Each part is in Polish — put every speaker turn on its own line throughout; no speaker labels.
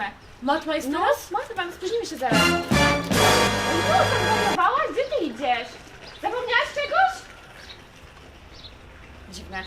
matmę.
Matma jest
No,
teraz?
matmę, spóźnimy się zaraz. No, zawołałaś? Gdzie ty idziesz? Zapomniałaś czegoś? Dziwne.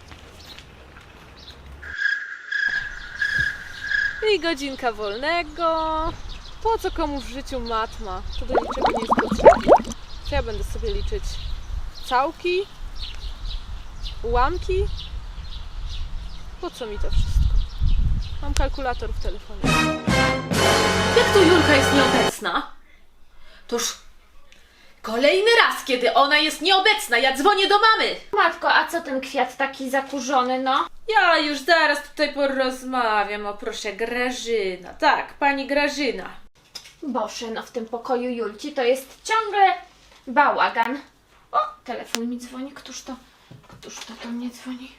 I godzinka wolnego. Po co komu w życiu matma? To do niczego nie jest potrzebne. Czy ja będę sobie liczyć całki? Ułamki? Po co mi to wszystko? Mam kalkulator w telefonie.
Jak to Julka jest nieobecna? Toż kolejny raz, kiedy ona jest nieobecna, ja dzwonię do mamy.
Matko, a co ten kwiat taki zakurzony, no?
Ja już zaraz tutaj porozmawiam. O proszę, Grażyna. Tak, pani Grażyna.
Boże, no w tym pokoju Julci to jest ciągle bałagan. O, telefon mi dzwoni. Któż to do mnie dzwoni?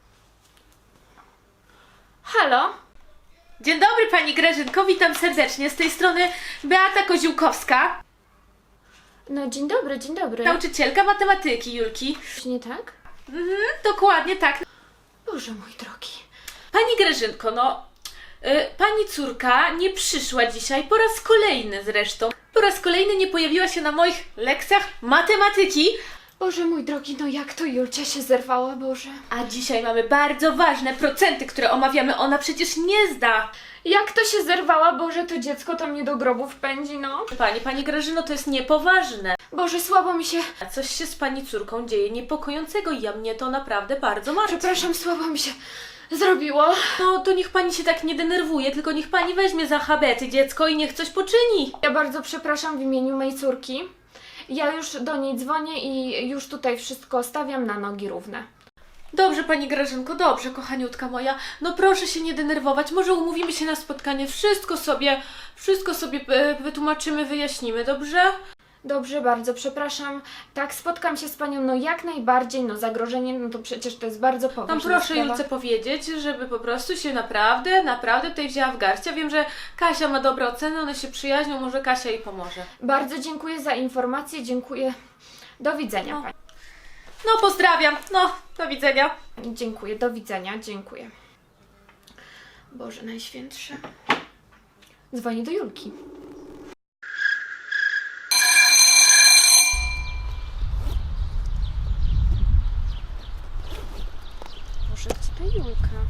Halo?
Dzień dobry pani Grażynko, witam serdecznie. Z tej strony Beata Koziłkowska,
No dzień dobry, dzień dobry.
nauczycielka matematyki Julki.
Coś nie tak?
Dokładnie tak.
Boże mój drogi.
Pani Grażynko, pani córka nie przyszła dzisiaj, po raz kolejny zresztą. Po raz kolejny nie pojawiła się na moich lekcjach matematyki.
Boże mój drogi, no jak to Julcia się zerwała, Boże.
A dzisiaj mamy bardzo ważne procenty, które omawiamy. Ona przecież nie zda.
Jak to się zerwała, Boże, to dziecko to mnie do grobu wpędzi, no.
Pani Grażyno, to jest niepoważne.
Boże, słabo mi się...
A coś się z pani córką dzieje niepokojącego i mnie to naprawdę bardzo martwi.
Przepraszam, słabo mi się zrobiło.
No to niech pani się tak nie denerwuje, tylko niech pani weźmie za habety dziecko i niech coś poczyni.
Ja bardzo przepraszam w imieniu mojej córki. Ja już do niej dzwonię i już tutaj wszystko stawiam na nogi równe.
Dobrze, pani Grażynko, dobrze, kochaniutka moja. No proszę się nie denerwować, może umówimy się na spotkanie, wszystko sobie wytłumaczymy, wyjaśnimy, dobrze?
Dobrze, bardzo przepraszam. Tak, spotkam się z panią, no jak najbardziej, no zagrożenie, no to przecież to jest bardzo poważna
Tam proszę
sprawa.
Julce powiedzieć, żeby po prostu się naprawdę tutaj wzięła w garść. Ja wiem, że Kasia ma dobre oceny, one się przyjaźnią, może Kasia jej pomoże.
Bardzo dziękuję za informację, dziękuję. Do widzenia
No.
pani.
No pozdrawiam, no do widzenia.
Dziękuję, do widzenia, dziękuję. Boże Najświętszy. Dzwonię do Julki. Boże, gdzie ta Julka?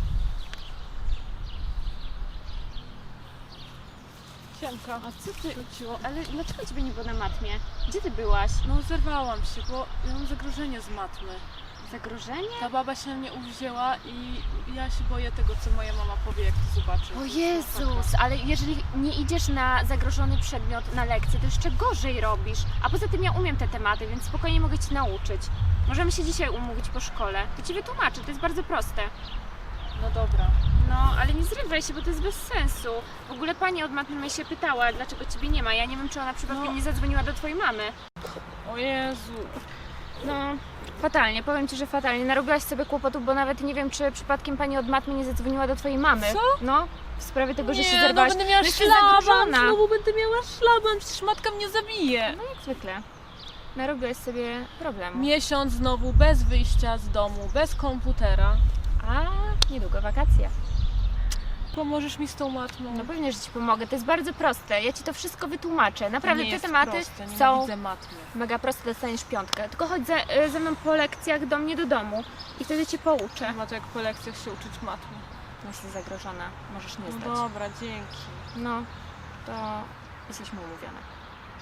Siemka.
A co ty chodziło? Ale dlaczego ciebie nie było na matmie? Gdzie ty byłaś?
No zerwałam się, bo ja mam zagrożenie z matmy.
Zagrożenie?
Ta baba się na mnie uwzięła i ja się boję tego, co moja mama powie, jak to zobaczy.
O Jezus, ale jeżeli nie idziesz na zagrożony przedmiot na lekcję, to jeszcze gorzej robisz. A poza tym ja umiem te tematy, więc spokojnie mogę Ci nauczyć. Możemy się dzisiaj umówić po szkole. To Ci wytłumaczę, to jest bardzo proste.
No dobra.
No, ale nie zrywaj się, bo to jest bez sensu. W ogóle pani od matmy mnie się pytała, dlaczego Ciebie nie ma. Ja nie wiem, czy ona przypadkiem nie zadzwoniła do Twojej mamy.
O Jezu.
No, fatalnie, powiem Ci, że fatalnie. Narobiłaś sobie kłopotów, bo nawet nie wiem, czy przypadkiem pani od matmy nie zadzwoniła do Twojej mamy.
Co?
No, w sprawie tego, że się
Nie,
zerwałaś.
no będę miała
jesteś
szlaban,
zagrożona.
znowu będę miała szlaban, przecież matka mnie zabije.
No jak zwykle. Narobiłaś sobie problemu.
Miesiąc znowu bez wyjścia z domu, bez komputera.
A niedługo wakacje.
Pomożesz mi z tą matmą?
No pewnie, że Ci pomogę. To jest bardzo proste. Ja Ci to wszystko wytłumaczę. Naprawdę
nie
te
jest
tematy
proste,
są
nienawidzę matmy.
mega proste. Dostaniesz 5. Tylko chodź ze mną po lekcjach do mnie do domu i wtedy Cię pouczę.
Ma to jak po lekcjach się uczyć matmy.
Jesteś zagrożona. Możesz nie
No
zdać.
dobra, dzięki.
No, to jesteśmy umówione.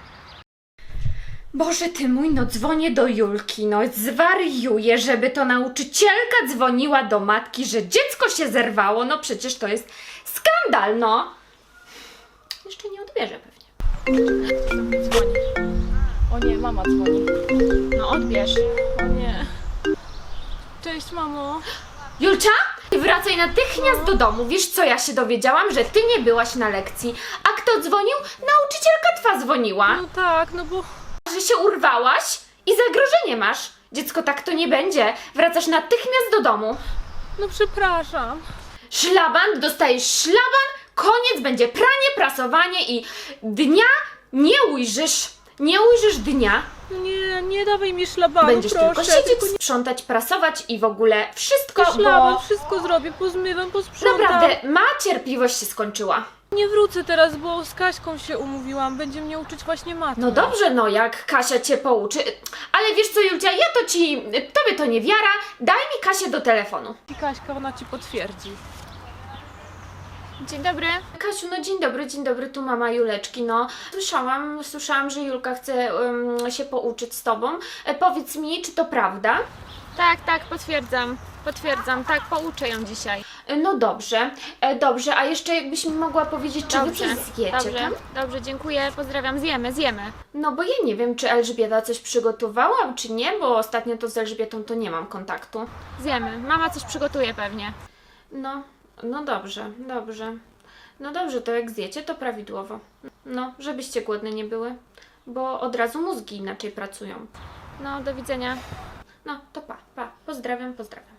Boże ty mój, no dzwonię do Julki, no zwariuję, żeby to nauczycielka dzwoniła do matki, że dziecko się zerwało, no przecież to jest skandal, no. Jeszcze nie odbierze pewnie.
Dzwoni. O nie, mama dzwoni.
No odbierz.
O nie. Cześć, mamo.
Julcia, wracaj natychmiast do domu. Wiesz co ja się dowiedziałam? Że ty nie byłaś na lekcji. A kto dzwonił? Nauczycielka twa dzwoniła.
No tak, no bo...
Że się urwałaś i zagrożenie masz. Dziecko, tak to nie będzie. Wracasz natychmiast do domu.
No przepraszam.
Szlaban, dostajesz szlaban, koniec, będzie pranie, prasowanie i dnia nie ujrzysz. Nie ujrzysz dnia.
Nie, nie dawaj mi szlabanu,
Będziesz
proszę.
tylko siedzieć, sprzątać, prasować i w ogóle wszystko,
Szlaban,
bo
wszystko zrobię, pozmywam, posprzątam.
naprawdę ma cierpliwość się skończyła.
Nie wrócę teraz, bo z Kaśką się umówiłam. Będzie mnie uczyć właśnie matmy.
No dobrze, no jak Kasia cię pouczy. Ale wiesz co, Julcia, tobie to nie wiara. Daj mi Kasię do telefonu.
I Kaśka, ona ci potwierdzi.
Dzień dobry.
Kasiu, no dzień dobry, tu mama Juleczki, no. Słyszałam, że Julka chce się pouczyć z tobą. Powiedz mi, czy to prawda?
Tak, potwierdzam, tak, pouczę ją dzisiaj.
No dobrze, a jeszcze jakbyś mi mogła powiedzieć, czy wy coś zjecie tam?
Dobrze, dziękuję, pozdrawiam, zjemy.
No bo ja nie wiem, czy Elżbieta coś przygotowała, czy nie, bo ostatnio to z Elżbietą to nie mam kontaktu.
Zjemy, mama coś przygotuje pewnie.
No dobrze. No dobrze, to jak zjecie, to prawidłowo. No, żebyście głodne nie były, bo od razu mózgi inaczej pracują.
No, do widzenia.
No, to pa. Pozdrawiam.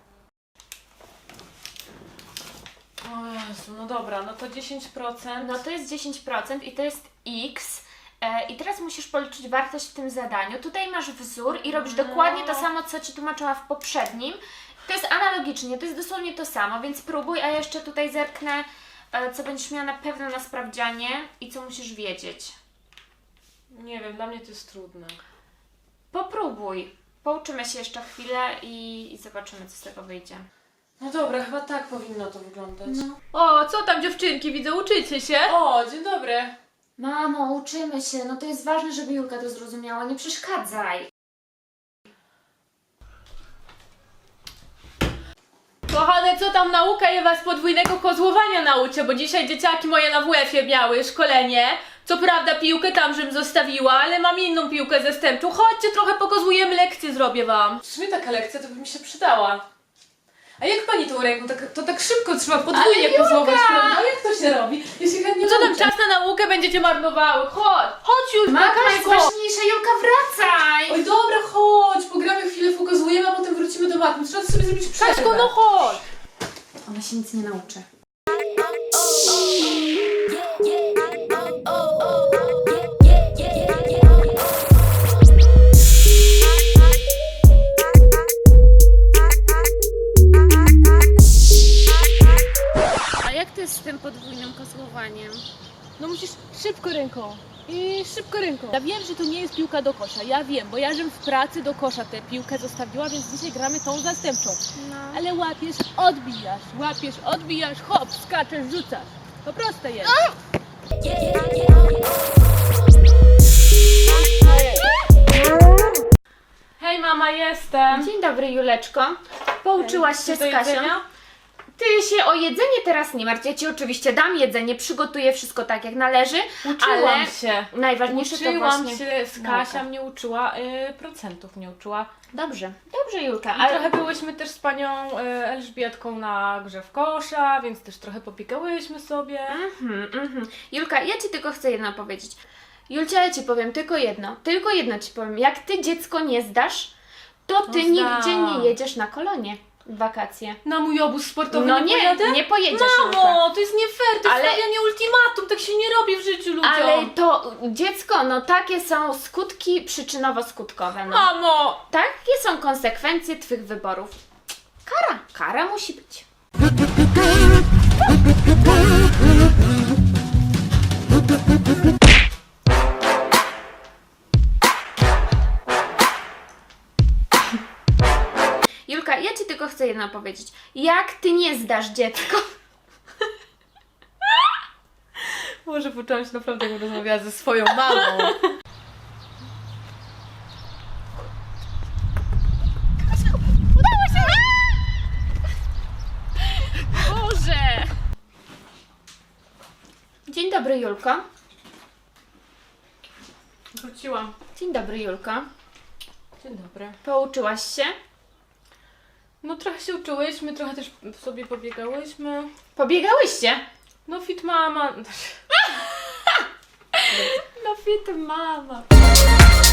O Jezu, no dobra, no to 10%.
No to jest 10% i to jest X. I teraz musisz policzyć wartość w tym zadaniu. Tutaj masz wzór i robisz dokładnie to samo, co Ci tłumaczyła w poprzednim. To jest analogicznie, to jest dosłownie to samo, więc próbuj, a ja jeszcze tutaj zerknę, co będziesz miała na pewno na sprawdzianie i co musisz wiedzieć.
Nie wiem, dla mnie to jest trudne.
Popróbuj. Pouczymy się jeszcze chwilę i zobaczymy, co z tego wyjdzie.
No dobra, chyba tak powinno to wyglądać.
No.
O, co tam dziewczynki, widzę, uczycie się? O, dzień dobry.
Mamo, uczymy się. No to jest ważne, żeby Julka to zrozumiała. Nie przeszkadzaj.
Kochane, co tam nauka? Ja was podwójnego kozłowania nauczę, bo dzisiaj dzieciaki moje na WF-ie miały szkolenie. Co prawda piłkę tam, żebym zostawiła, ale mam inną piłkę zastępczą. Chodźcie, trochę pokozłujemy, lekcję zrobię wam. W sumie taka lekcja to by mi się przydała. A jak pani tą ręką? To tak szybko trzeba podwójnie kozłować, prawda? Jak to się robi? Ja się chętnie Co tam czas na naukę będziecie marnowały? Chodź już,
Matka jest ważniejsza. Julka, wracaj!
Oj, dobra, chodź, pogramy chwilę, pokozujemy, a potem wrócimy do matmy. Trzeba sobie zrobić przerwę. Kaśko, no chodź!
Ona się nic nie nauczy.
A jak to jest z tym podwójnym kozłowaniem?
No musisz szybko ręką. I szybko ręką. Ja wiem, że to nie jest piłka do kosza. Ja wiem, bo ja żem w pracy do kosza tę piłkę zostawiła, więc dzisiaj gramy tą zastępczą.
No.
Ale łapiesz, odbijasz, hop, skaczesz, rzucasz. To proste jest.
Hej mama, jestem.
Dzień dobry, Juleczko. Pouczyłaś się
Co do
z Kasią?
jedzenia?
Ty się o jedzenie teraz nie martw. Ja Ci oczywiście dam jedzenie, przygotuję wszystko tak jak należy,
Uczyłam
ale
się.
najważniejsze to
Uczyłam
właśnie
się z
nauka.
Kasia, mnie uczyła, procentów mnie uczyła.
Dobrze, Julka.
A trochę byłyśmy też z panią Elżbietką na grze w kosza, więc też trochę popikałyśmy sobie.
Julka, ja Ci tylko chcę jedno powiedzieć. Julcia, ja Ci powiem tylko jedno Ci powiem. Jak Ty dziecko nie zdasz, to Ty
zdam.
nigdzie nie jedziesz na kolonie w wakacje.
Na mój obóz sportowy
No
nie
nie,
pojadę?
nie pojedziesz, Julka.
Mamo, to jest nie fair, to jest
Ale-
stawianie ultimatum, tak się nie robi w życiu ludziom.
Ale to dziecko, no takie są skutki przyczynowo-skutkowe. No.
Mamo!
Takie są konsekwencje Twych wyborów. Kara musi być. Julka, ja Ci tylko chcę jedno powiedzieć. Jak Ty nie zdasz dziecko,
Może poczułam się naprawdę, jak rozmawiała ze swoją mamą.
Boże!
Dzień dobry, Julko.
Wróciłam.
Dzień dobry, Julko.
Dzień dobry.
Pouczyłaś się?
No trochę się uczyłyśmy, trochę też sobie pobiegałyśmy.
Pobiegałyście?
No fit mama.
No fit mama.